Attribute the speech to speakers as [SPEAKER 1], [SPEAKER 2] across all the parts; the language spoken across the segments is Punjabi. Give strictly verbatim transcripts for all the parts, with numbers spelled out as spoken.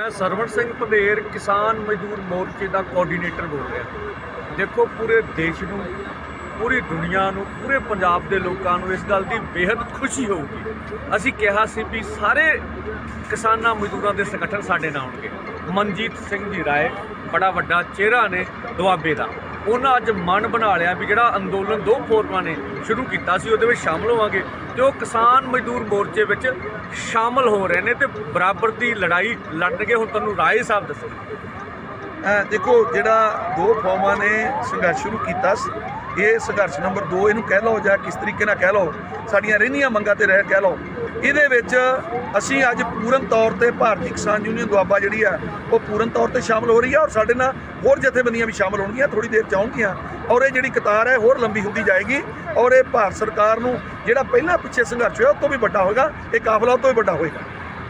[SPEAKER 1] मैं सरवण सिंह पंधेर किसान मजदूर मोर्चे का कोआर्ਡੀਨੇਟਰ बोल रहा। देखो पूरे देश ਨੂੰ पूरी दुनिया ਨੂੰ पूरे पंजाब के लोगों ਨੂੰ इस गल की बेहद खुशी होगी। ਅਸੀਂ ਕਿਹਾ ਸੀ ਵੀ ਸਾਰੇ किसाना मजदूरों के संगठन साडे नाल आउणगे। मनजीत सिंह जी राय बड़ा वड्डा चेहरा ने दुआबे का, उन्हें अज मन बना लिया भी जिहड़ा अंदोलन दो फोरमां ने शुरू किया सी उहदे विच शामिल होवांगे ते ओह किसान मजदूर मोर्चे विच शामिल हो रहे हैं ते बराबर की लड़ाई लड़नगे। हुण तुहानूं राय साहब दसो।
[SPEAKER 2] देखो जिहड़ा दो फौमां ने संघर्ष शुरू किया, ये संघर्ष नंबर दो इनू कह लो या किस तरीके नाल कह लो, साडियां रहिंदियां मंगां ते रह कह लो। ਇਹਦੇ ਵਿੱਚ ਅਸੀਂ ਅੱਜ ਪੂਰਨ ਤੌਰ ਤੇ ਭਾਰਤੀ ਕਿਸਾਨ ਯੂਨੀਅਨ ਦੁਆਬਾ ਜਿਹੜੀ ਆ ਉਹ ਪੂਰਨ ਤੌਰ ਤੇ ਸ਼ਾਮਲ ਹੋ ਰਹੀ ਆ, ਔਰ ਸਾਡੇ ਨਾਲ ਹੋਰ ਜਥੇਬੰਦੀਆਂ ਵੀ ਸ਼ਾਮਲ ਹੋਣਗੀਆਂ, ਥੋੜੀ ਦੇਰ ਚ ਆਉਣਗੀਆਂ, ਔਰ ਇਹ ਜਿਹੜੀ ਕਤਾਰ ਹੈ ਹੋਰ ਲੰਬੀ ਹੁੰਦੀ ਜਾਏਗੀ। ਔਰ ਇਹ ਭਾਰਤ ਸਰਕਾਰ ਨੂੰ ਜਿਹੜਾ ਪਹਿਲਾਂ ਪਿੱਛੇ ਸੰਘਰਸ਼ ਹੋਇਆ ਉਹ ਤੋਂ ਵੀ ਵੱਡਾ ਹੋਏਗਾ, ਇਹ ਕਾਫਲਾ ਤੋਂ ਵੀ ਵੱਡਾ ਹੋਏਗਾ।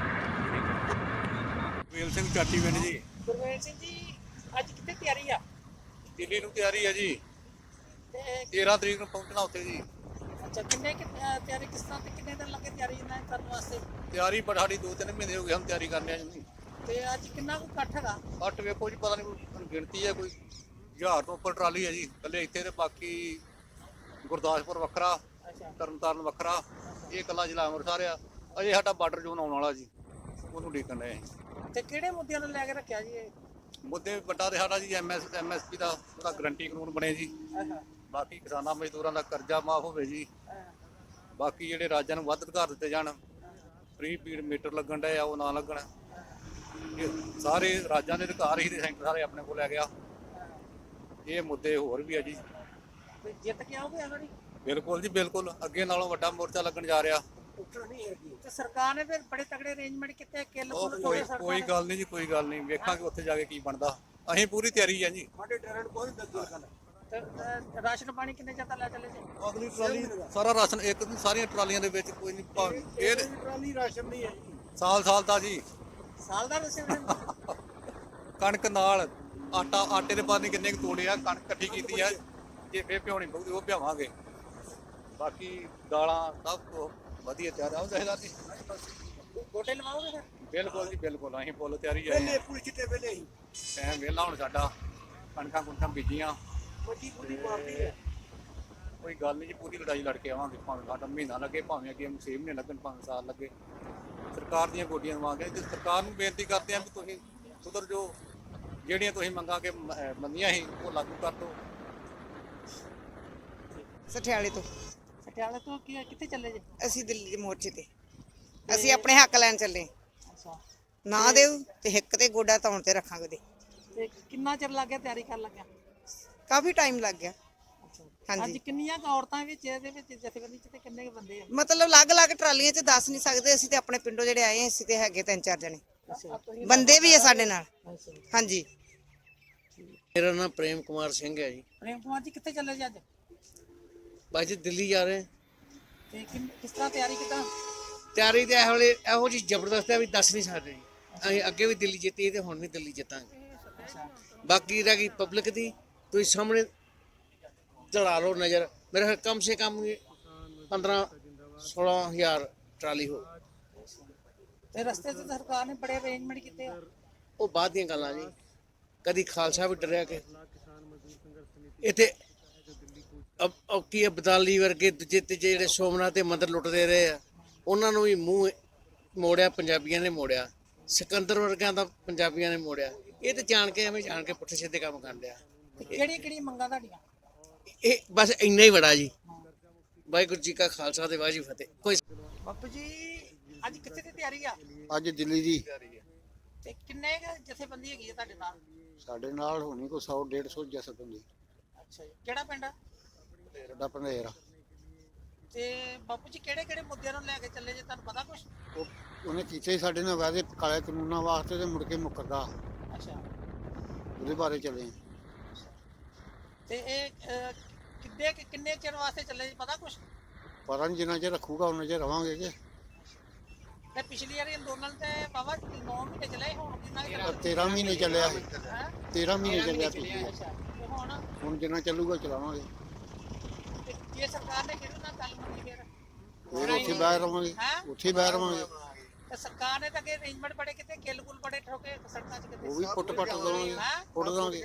[SPEAKER 3] ਗੁਰਵੇਲ ਸਿੰਘ ਚਾਟੀ ਪਿੰਡ ਜੀ।
[SPEAKER 4] ਗੁਰਵੇਲ ਸਿੰਘ ਜੀ, ਅੱਜ ਕਿੱਥੇ ਤਿਆਰੀ ਆ?
[SPEAKER 3] ਦਿੱਲੀ ਨੂੰ ਤਿਆਰੀ ਹੈ ਜੀ,
[SPEAKER 4] ਤੇ
[SPEAKER 3] ਤੇਰਾਂ ਤਰੀਕ ਨੂੰ ਪਹੁੰਚਣਾ ਉੱਥੇ ਜੀ।
[SPEAKER 4] ਅੱਛਾ, ਕਿੰਨੇ ਕਿ ਅਹ ਤਿਆਰੀ ਕਿਸ ਤਰ੍ਹਾਂ ਤੇ ਕਿੰਨੇ ਦਿਨ ਲੱਗੇ ਤਿਆਰੀ ਇਹਨਾਂ ਕਰਨ ਵਾਸਤੇ?
[SPEAKER 3] ਤਿਆਰੀ ਪਰ ਸਾਡੀ ਦੋ ਤਿੰਨ ਮਹੀਨੇ ਹੋ ਗਏ ਹਮ ਤਿਆਰੀ ਕਰਨੇ ਆ ਜੀ।
[SPEAKER 4] ਤੇ ਅੱਜ ਕਿੰਨਾ ਕੁ ਇਕੱਠ ਹੈਗਾ?
[SPEAKER 3] ਬੱਟ ਵੇਖੋ ਜੀ, ਪਤਾ ਨਹੀਂ ਕੋਈ ਗਿਣਤੀ ਹੈ, ਕੋਈ ਹਜ਼ਾਰ ਤੋਂ ਉੱਪਰ ਟਰਾਲੀ ਹੈ ਜੀ ਇਕੱਲੇ ਇੱਥੇ, ਤੇ ਬਾਕੀ ਗੁਰਦਾਸਪੁਰ ਵੱਖਰਾ,
[SPEAKER 4] ਅੱਛਾ
[SPEAKER 3] ਤਰਨਤਾਰਨ ਵੱਖਰਾ, ਇਹ ਇਕੱਲਾ ਜ਼ਿਲ੍ਹਾ ਅੰਮ੍ਰਿਤਸਰ ਆ। ਅਜੇ ਸਾਡਾ ਬਾਰਡਰ ਜ਼ੋਨ ਆਉਣ ਵਾਲਾ ਜੀ, ਉਹਨੂੰ ਡੀਕਣ ਡਏ ਅਸੀਂ।
[SPEAKER 4] ਤੇ ਕਿਹੜੇ ਮੁੱਦਿਆਂ ਨੂੰ ਲੈ ਕੇ ਰੱਖਿਆ ਜੀ ਇਹ?
[SPEAKER 3] ਮੁੱਦੇ ਵੱਡਾ ਤੇ ਸਾਡਾ ਜੀ M S M S P ਦਾ ਉਹਦਾ ਗਰੰਟੀ ਕਾਨੂੰਨ ਬਣੇ ਜੀ।
[SPEAKER 4] ਅੱਛਾ
[SPEAKER 3] ਬਾਕੀ ਕਿਸਾਨਾਂ ਮਜ਼ਦੂਰਾਂ ਦਾ ਕਰਜ਼ਾ ਮਾਫ ਹੋਵੇ ਜੀ। ਬਾਕੀ ਜਿਹੜੇ ਰਾਜਾਂ ਨੂੰ ਵੱਧ ਅਧਿਕਾਰ ਦਿੱਤੇ ਜਾਣ, ਫ੍ਰੀ ਪੀਡ ਮੀਟਰ ਲੱਗਣ ਡਏ ਆ ਉਹ ਨਾ ਲੱਗਣ। ਇਹ ਸਾਰੇ ਰਾਜਾਂ ਦੇ ਅਧਿਕਾਰ ਹੀ ਤੇ ਸੈਂਟਰ ਸਾਰੇ ਆਪਣੇ ਕੋਲ ਲੈ ਗਿਆ। ਇਹ ਮੁੱਦੇ ਹੋਰ ਵੀ ਆ ਜੀ।
[SPEAKER 4] ਤੇ ਜਿੱਤ ਕੇ ਆਓਗੇ ਅਗੜੀ?
[SPEAKER 3] ਬਿਲਕੁਲ ਜੀ ਬਿਲਕੁਲ, ਅੱਗੇ ਨਾਲੋਂ ਵੱਡਾ ਮੋਰਚਾ ਲੱਗਣ ਜਾ ਰਿਹਾ।
[SPEAKER 4] ਤੇ ਸਰਕਾਰ ਨੇ ਫਿਰ ਬੜੇ ਤਗੜੇ ਅਰੇਂਜਮੈਂਟ ਕੀਤੇ, ਕਿੱਲ
[SPEAKER 3] ਉਹ
[SPEAKER 4] ਕੁੱਲ
[SPEAKER 3] ਕੋਈ
[SPEAKER 4] ਤੋੜੇ ਸਰਕਾਰ
[SPEAKER 3] ਕੋਈ
[SPEAKER 4] ਨੇ।
[SPEAKER 3] ਗੱਲ ਨਹੀਂ ਜੀ, ਕੋਈ ਗੱਲ ਨਹੀਂ, ਵੇਖਾਂਗੇ ਉੱਥੇ ਜਾ ਕੇ ਕੀ ਬਣਦਾ। ਅਸੀਂ ਪੂਰੀ ਤਿਆਰੀ ਆ ਜੀ।
[SPEAKER 4] ਤੇ ਅਹ, ਰਾਸ਼ਨ ਪਾਣੀ ਕਿੰਨੇ ਚਿਰ ਤੱਕ ਲੈ ਚੱਲੇ ਜੀ?
[SPEAKER 3] ਅਗਲੀ ਟਰਾਲੀ ਸਾਰਾ ਰਾਸ਼ਨ ਇੱਕ ਦਿਨ ਸਾਰੀਆਂ ਟਰਾਲੀਆਂ ਦੇ ਵਿੱਚ ਕੋਈ ਨਹੀਂ ਪਾ- ਇਹ
[SPEAKER 4] ਟਰਾਲੀ ਰਾਸ਼ਨ ਨਹੀਂ ਹੈ ਜੀ,
[SPEAKER 3] ਸਾਲ ਸਾਲ ਦਾ ਜੀ।
[SPEAKER 4] ਸਾਲ ਦਾ ਰਸਮ।
[SPEAKER 3] ਕਣਕ ਨਾਲ ਆਟਾ, ਆਟੇ ਦੇ ਪਾਣੀ ਕਿੰਨੇ ਕੁ ਤੋੜੇ ਆ, ਕਣਕ ਇਕੱਠੀ ਕੀਤੀ ਆ, ਜੇ ਫੇਰ ਭਿਉਣੀ ਪਊਗੀ ਉਹ ਭਿਆਵਾਂਗੇ। ਬਾਕੀ ਦਾਲਾਂ ਸਭ ਕੁਛ ਵਧੀਆ ਤਿਆਰ ਆ ਉਹਦਾ ਜੀ।
[SPEAKER 4] ਗੋਟੇ ਲਵਾਓਗੇ ਫਿਰ?
[SPEAKER 3] ਬਿਲਕੁਲ ਜੀ ਬਿਲਕੁਲ, ਅਸੀਂ ਫੁੱਲ ਤਿਆਰੀ ਆ।
[SPEAKER 4] ਪੂਰੀ ਚਿੱਟੇ ਵੇਲੇ ਹੀ
[SPEAKER 3] ਟਾਈਮ ਵਿਹਲਾ ਹੁਣ ਸਾਡਾ, ਕਣਕਾਂ ਕੁਣਕਾਂ ਬੀਜੀਆਂ,
[SPEAKER 4] ਵੱਡੀ ਪੂਰੀ ਪਾਰਟੀ ਹੈ।
[SPEAKER 3] ਕੋਈ ਗੱਲ ਨਹੀਂ ਜੀ, ਪੂਰੀ ਲੜਾਈ ਲੜ ਕੇ ਆਵਾਂਗੇ, ਭਾਵੇਂ ਸਾਡਾ ਮਹੀਨਾ ਲੱਗੇ, ਭਾਵੇਂ ਅੱਗੇ ਛੇ ਮਹੀਨੇ ਲੱਗਣ, ਭਾਵੇਂ ਸਾਲ ਲੱਗੇ। ਸਰਕਾਰ ਦੀਆਂ ਗੋਡੀਆਂ ਦਵਾਂਗੇ ਤੇ ਸਰਕਾਰ ਨੂੰ ਬੇਨਤੀ ਕਰਦੇ ਹਾਂ ਵੀ ਤੁਸੀਂ ਸੁਧਰ ਜੋ, ਜਿਹੜੀਆਂ ਤੁਸੀਂ ਮੰਗਾਂ ਕੇ ਮੰਨੀਆਂ ਸੀ ਉਹ ਲਾਗੂ ਕਰ ਦਿਓ।
[SPEAKER 5] ਸਠਿਆਲੇ ਤੋਂ
[SPEAKER 4] ਪਟਿਆਲੇ ਤੋਂ ਕੀ ਕਿੱਥੇ ਚੱਲੇ ਜੀ?
[SPEAKER 5] ਅਸੀਂ ਦਿੱਲੀ ਦੇ ਮੋਰਚੇ ਤੇ ਅਸੀਂ ਆਪਣੇ ਹੱਕ ਲੈਣ ਚੱਲੇ।
[SPEAKER 4] ਅੱਛਾ,
[SPEAKER 5] ਨਾ ਦਿਓ ਤੇ ਹਿੱਕ ਤੇ ਗੋਡਾ ਧੌਣ ਤੇ ਰੱਖਾਂਗੇ ਉਹਦੇ।
[SPEAKER 4] ਤੇ ਕਿੰਨਾ ਚਿਰ ਲੱਗ ਗਿਆ ਤਿਆਰੀ ਕਰਨ ਲੱਗਿਆ?
[SPEAKER 5] ਕਾਫੀ ਟਾਈਮ ਲੱਗ ਗਿਆ।
[SPEAKER 4] ਅੱਜ
[SPEAKER 5] ਹਾਂਜੀ,
[SPEAKER 4] ਕਿੰਨੀਆਂ ਕੁ ਔਰਤਾਂ ਵਿੱਚ ਇਹਦੇ ਵਿੱਚ ਜਥੇਬੰਦੀ ਚ ਤੇ ਕਿੰਨੇ ਕੁ ਬੰਦੇ ਆ?
[SPEAKER 5] ਮਤਲਬ ਅਲੱਗ-ਅਲੱਗ ਟਰਾਲੀਆਂ 'ਚ ਦੱਸ ਨਹੀਂ ਸਕਦੇ। ਅਸੀਂ ਤੇ ਆਪਣੇ ਪਿੰਡੋਂ ਜਿਹੜੇ ਆਏ ਹਾਂ, ਅਸੀਂ ਤੇ ਹੈਗੇ ਤਿੰਨ ਚਾਰ ਜਣੇ, ਬੰਦੇ ਵੀ ਆ ਸਾਡੇ ਨਾਲ। ਹਾਂਜੀ,
[SPEAKER 6] मेरा नाम प्रेम कुमार सिंह है जी।
[SPEAKER 4] ਪ੍ਰੇਮ ਕੁਮਾਰ ਜੀ, ਕਿੱਥੇ ਚੱਲੇ ਜੀ ਅੱਜ?
[SPEAKER 6] बस जी दिल्ली जा रहे हैं।
[SPEAKER 4] ਤੇ ਕਿੰਨ- ਕਿਸ ਤਰ੍ਹਾਂ ਤਿਆਰੀ ਕਿਦਾਂ?
[SPEAKER 6] ਤਿਆਰੀ ਤੇ ਇਹੋ ਜਿਹੀ ਇਹੋ ਜਿਹੀ ਜ਼ਬਰਦਸਤ ਹੈ ਵੀ ਦੱਸ ਨਹੀਂ ਸਕਦੇ ਜੀ। ਅਸੀਂ ਅੱਗੇ ਵੀ ਦਿੱਲੀ ਜਿੱਤੀ ਤੇ ਹੁਣ ਵੀ ਦਿੱਲੀ ਜਿੱਤਾਂਗੇ। ਬਾਕੀ ਰਹਿ ਗਈ ਪਬਲਿਕ ਦੀ, ਤੁਸੀਂ ਸਾਹਮਣੇ ਚੜਾ ਲਓ ਨਜ਼ਰ। ਮੇਰੇ ਖਿਆਲ ਕਮ ਸੇ ਕਮ ਪੰਦਰਾਂ ਸੋਲਾਂ ਹਜ਼ਾਰ ਟਰਾਲੀ ਹੋ।
[SPEAKER 4] ਤੇ ਰਸਤੇ 'ਚ ਸਰਕਾਰ ਨੇ ਬੜੇ ਅਰੇਂਜਮੈਂਟ ਕੀਤੇ ਆ।
[SPEAKER 6] ਉਹ ਬਾਅਦ ਦੀਆਂ ਗੱਲਾਂ ਜੀ। ਕਦੀ ਖਾਲਸਾ ਵੀ ਡਰਿਆ ਕਿ ਇੱਥੇ ਅਬ ਅਬ ਕੀ ਅਬਦਾਲੀ ਵਰਗੇ ਦੂਜੇ ਤੀਜੇ ਜਿਹੜੇ ਸੋਮਨਾਥ ਦੇ ਮੰਦਰ ਲੁੱਟਦੇ ਰਹੇ ਆ, ਉਹਨਾਂ ਨੂੰ ਵੀ ਮੂੰਹ ਮੋੜਿਆ, ਪੰਜਾਬੀਆਂ ਨੇ ਮੋੜਿਆ। ਸਿਕੰਦਰ ਵਰਗਿਆਂ ਦਾ ਪੰਜਾਬੀਆਂ ਨੇ ਮੋੜਿਆ। ਇਹ ਤੇ ਜਾਣ ਕੇ ਐਵੇਂ ਜਾਣ ਕੇ ਪੁੱਠੇ ਸਿੱਧੇ ਕੰਮ ਕਰਨ ਡਿਆ।
[SPEAKER 4] ਕਿਹੜੀਆਂ ਕਿਹੜੀਆਂ ਮੰਗਾਂ ਤੁਹਾਡੀਆਂ?
[SPEAKER 6] ਇਹ ਬਸ ਇੰਨਾ ਹੀ ਬੜਾ ਜੀ। ਵਾਹਿਗੁਰੂ ਜੀ ਕਾ ਖਾਲਸਾ ਤੇ ਵਾਹਿਗੁਰੂ ਜੀ ਫਤਿਹ। ਕੋਈ
[SPEAKER 4] ਬਾਪੂ ਜੀ, ਅੱਜ ਕਿੱਥੇ ਦੀ ਤਿਆਰੀ ਆ?
[SPEAKER 7] ਅੱਜ ਦਿੱਲੀ ਦੀ
[SPEAKER 4] ਤੇ ਕਿੰਨੇ ਕੁ ਜਥੇਬੰਦੀ ਹੈਗੀ ਆ ਤੁਹਾਡੇ ਨਾਲ?
[SPEAKER 7] ਸਾਡੇ ਨਾਲ ਹੋਣੀ ਕੋਈ ਸੌ ਡੇਢ ਸੌ ਜਥੇਬੰਦੀ।
[SPEAKER 4] ਅੱਛਾ ਜੀ, ਕਿਹੜਾ ਪਿੰਡ ਆ?
[SPEAKER 7] ਸਾਡਾ ਪੰਧੇਰ ਆ।
[SPEAKER 4] ਤੇ ਬਾਪੂ ਜੀ, ਕਿਹੜੇ ਕਿਹੜੇ ਮੁੱਦਿਆਂ ਨੂੰ ਲੈ ਕੇ ਚੱਲੇ ਜੇ, ਤੁਹਾਨੂੰ ਪਤਾ ਕੁਛ?
[SPEAKER 7] ਉਹ ਉਹਨੇ ਕੀਤੇ ਸਾਡੇ ਨਾਲ ਵਾਅਦੇ ਕਾਲੇ ਕਾਨੂੰਨਾਂ ਵਾਸਤੇ ਤੇ ਮੁੜ ਕੇ ਮੁੱਕਰਦਾ,
[SPEAKER 4] ਅੱਛਾ,
[SPEAKER 7] ਉਹਦੇ ਬਾਰੇ ਚੱਲੇ।
[SPEAKER 4] ਤੇ ਇਹ ਅਹ, ਕਿੱਦੇ ਕਿ- ਕਿੰਨੇ ਚਿਰ ਵਾਸਤੇ ਚੱਲੇ ਜੀ, ਪਤਾ ਕੁਛ?
[SPEAKER 7] ਪਤਾ ਨਹੀਂ ਜਿੰਨਾ ਚਿਰ ਰੱਖੂਗਾ ਉਹਨਾਂ ਚਿਰ ਰਵਾਂਗੇ ਕਿ
[SPEAKER 4] ਤੇ ਪਿਛਲੀ ਵਾਰੀ ਅੰਦੋਲਨ ਤੇ ਬਾਬਾ ਨੌ ਮਹੀਨੇ ਚੱਲੇ, ਹੁਣ ਕਿੰਨਾ ਕੁ ਚੱਲਿਆ?
[SPEAKER 7] ਤੇਰਾਂ ਮਹੀਨੇ ਚੱਲਿਆ ਸੀ।
[SPEAKER 4] ਹੈਂ?
[SPEAKER 7] ਤੇਰਾਂ ਮਹੀਨੇ ਚੱਲਿਆ ਪਿਛਲੇ।
[SPEAKER 4] ਅੱਛਾ, ਤੇ ਹੁਣ
[SPEAKER 7] ਹੁਣ ਜਿੰਨਾ ਚੱਲੂਗਾ ਚਲਾਵਾਂਗੇ।
[SPEAKER 4] ਤੇ ਜੇ ਸਰਕਾਰ ਨੇ ਕਿਹੜੇ ਨਾਲ ਗੱਲ ਮੰਨੀ ਫਿਰ?
[SPEAKER 7] ਫਿਰ ਉੱਥੇ ਬਹਿ ਰਵਾਂਗੇ,
[SPEAKER 4] ਹੈਂ?
[SPEAKER 7] ਉੱਥੇ ਹੀ ਬਹਿ ਰਵਾਂਗੇ।
[SPEAKER 4] ਤੇ ਸਰਕਾਰ ਨੇ ਤਾਂ ਅੱਗੇ ਅਰੇਂਜਮੈਂਟ ਬੜੇ ਕਿਤੇ ਕਿੱਲ ਕੁੱਲ ਬੜੇ ਠੋਕੇ ਸੜਕਾਂ 'ਚ ਕਿਤੇ
[SPEAKER 7] ਉਹ ਵੀ ਪੁੱਟ ਪੱਟ ਦਵਾਂਗੇ
[SPEAKER 4] ਹੈਂ?
[SPEAKER 7] ਪੁੱਟ ਦਵਾਂਗੇ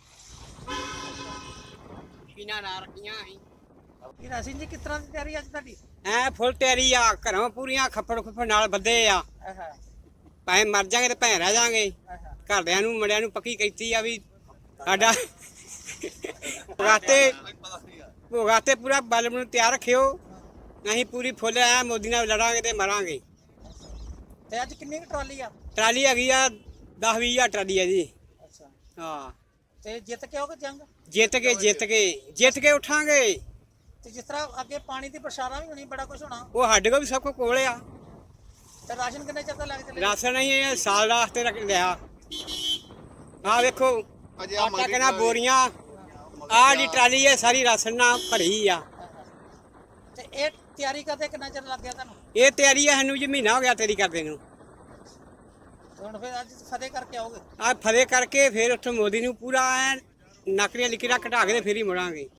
[SPEAKER 8] ਮਸ਼ੀਨਾਂ ਨਾ ਰੱਖੀਆਂ ਅਸੀਂ
[SPEAKER 4] ਇਹ ਰਾਸ਼ਨ ਜੀ ਕਿਸ ਤਰ੍ਹਾਂ ਦੀ ਤਿਆਰੀ ਅੱਜ ਤੁਹਾਡੀ
[SPEAKER 8] ਐ ਫੁੱਲ ਤਿਆਰੀ ਆ ਘਰੋਂ ਪੂਰੀਆਂ ਖੱਪੜ ਖੁੱਪੜ ਨਾਲ ਬੱਧੇ ਆ
[SPEAKER 4] ਆਹਾ
[SPEAKER 8] ਭਾਵੇਂ ਮਰ ਜਾਾਂਗੇ ਤੇ ਭੈਂ ਰਹਿ ਜਾਾਂਗੇ
[SPEAKER 4] ਆਹਾ
[SPEAKER 8] ਘਰਦਿਆਂ ਨੂੰ ਮੁੰਡਿਆਂ ਨੂੰ ਪੱਕੀ ਕੀਤੀ ਆ ਵੀ ਸਾਡਾ ਭੋਗਾਤੇ ਭੋਗਾਤੇ ਪੂਰਾ ਬਲ ਨੂੰ ਤਿਆਰ ਰੱਖਿਓ ਅਸੀਂ ਪੂਰੀ ਫੁੱਲ ਐ ਮੋਦੀ ਨਾਲ ਲੜਾਂਗੇ ਤੇ ਮਰਾਂਗੇ।
[SPEAKER 4] ਤੇ ਅੱਜ ਕਿੰਨੀ ਕੁ ਟਰਾਲੀ ਆ
[SPEAKER 8] ਟਰਾਲੀ ਹੈਗੀ ਆ ਦਸ ਵੀਹ ਹਜ਼ਾਰ ਟਰਾਲੀ ਆ ਜੀ।
[SPEAKER 4] ਅੱਛਾ
[SPEAKER 8] ਹਾਂ
[SPEAKER 4] ਤੇ ਜਿੱਤ ਕੇ ਆਓਗੇ ਜੰਗ
[SPEAKER 8] ਜਿੱਤ ਕੇ ਜਿੱਤ ਕੇ ਜਿੱਤ ਕੇ ਉਠਾਂਗੇ।
[SPEAKER 4] ਤੇ ਜਿਸ ਤਰ੍ਹਾਂ ਅੱਗੇ ਪਾਣੀ ਦੀ ਬਰਸਾਰਾਂ ਵੀ ਹੋਣੀ ਬੜਾ ਕੁਝ ਹੋਣਾ
[SPEAKER 8] ਉਹ ਸਾਡੇ ਕੋਲ ਵੀ ਸਭ ਕੁਝ ਕੋਲ ਆ।
[SPEAKER 4] ਤੇ ਰਾਸ਼ਨ ਕਿੰਨੇ ਚਿਰ ਦਾ ਲੱਗ ਚੱਲੇ
[SPEAKER 8] ਰਾਸ਼ਨ ਨਹੀਂ ਇਹ ਸਾਲ ਦਾ ਵਾਸਤੇ ਰੱਖ ਲਿਆ। ਆਹ ਵੇਖੋ ਆਟਾ ਕਿੰਨਾ ਬੋਰੀਆਂ ਆਹ ਦੀ ਟਰਾਲੀ ਹੈ ਸਾਰੀ ਰਾਸ਼ਨ ਨਾਲ ਭਰੀ ਆ।
[SPEAKER 4] ਤੇ ਇਹ ਤਿਆਰੀ ਕਰਦੇ ਕਿੰਨਾ ਚਿਰ ਲੱਗ ਗਿਆ ਤੁਹਾਨੂੰ
[SPEAKER 8] ਇਹ ਤਿਆਰੀ ਆ ਸਾਨੂੰ ਜੀ ਮਹੀਨਾ ਹੋ ਗਿਆ ਤੇਰੀ ਕਰਦੇ ਨੂੰ।
[SPEAKER 4] ਤੇ ਹੁਣ ਫਿਰ ਅੱਜ ਫਤਿਹ ਕਰਕੇ ਆਓਗੇ
[SPEAKER 8] ਆ ਫਤਿਹ ਕਰਕੇ ਫਿਰ ਉੱਥੇ ਮੋਦੀ ਨੂੰ ਪੂਰਾ ਐਨ ਨਕਰੀਆਂ ਲਿਖੀਆਂ ਘਟਾ ਕੇ ਤੇ ਫਿਰ ਹੀ ਮੁੜਾਂਗੇ।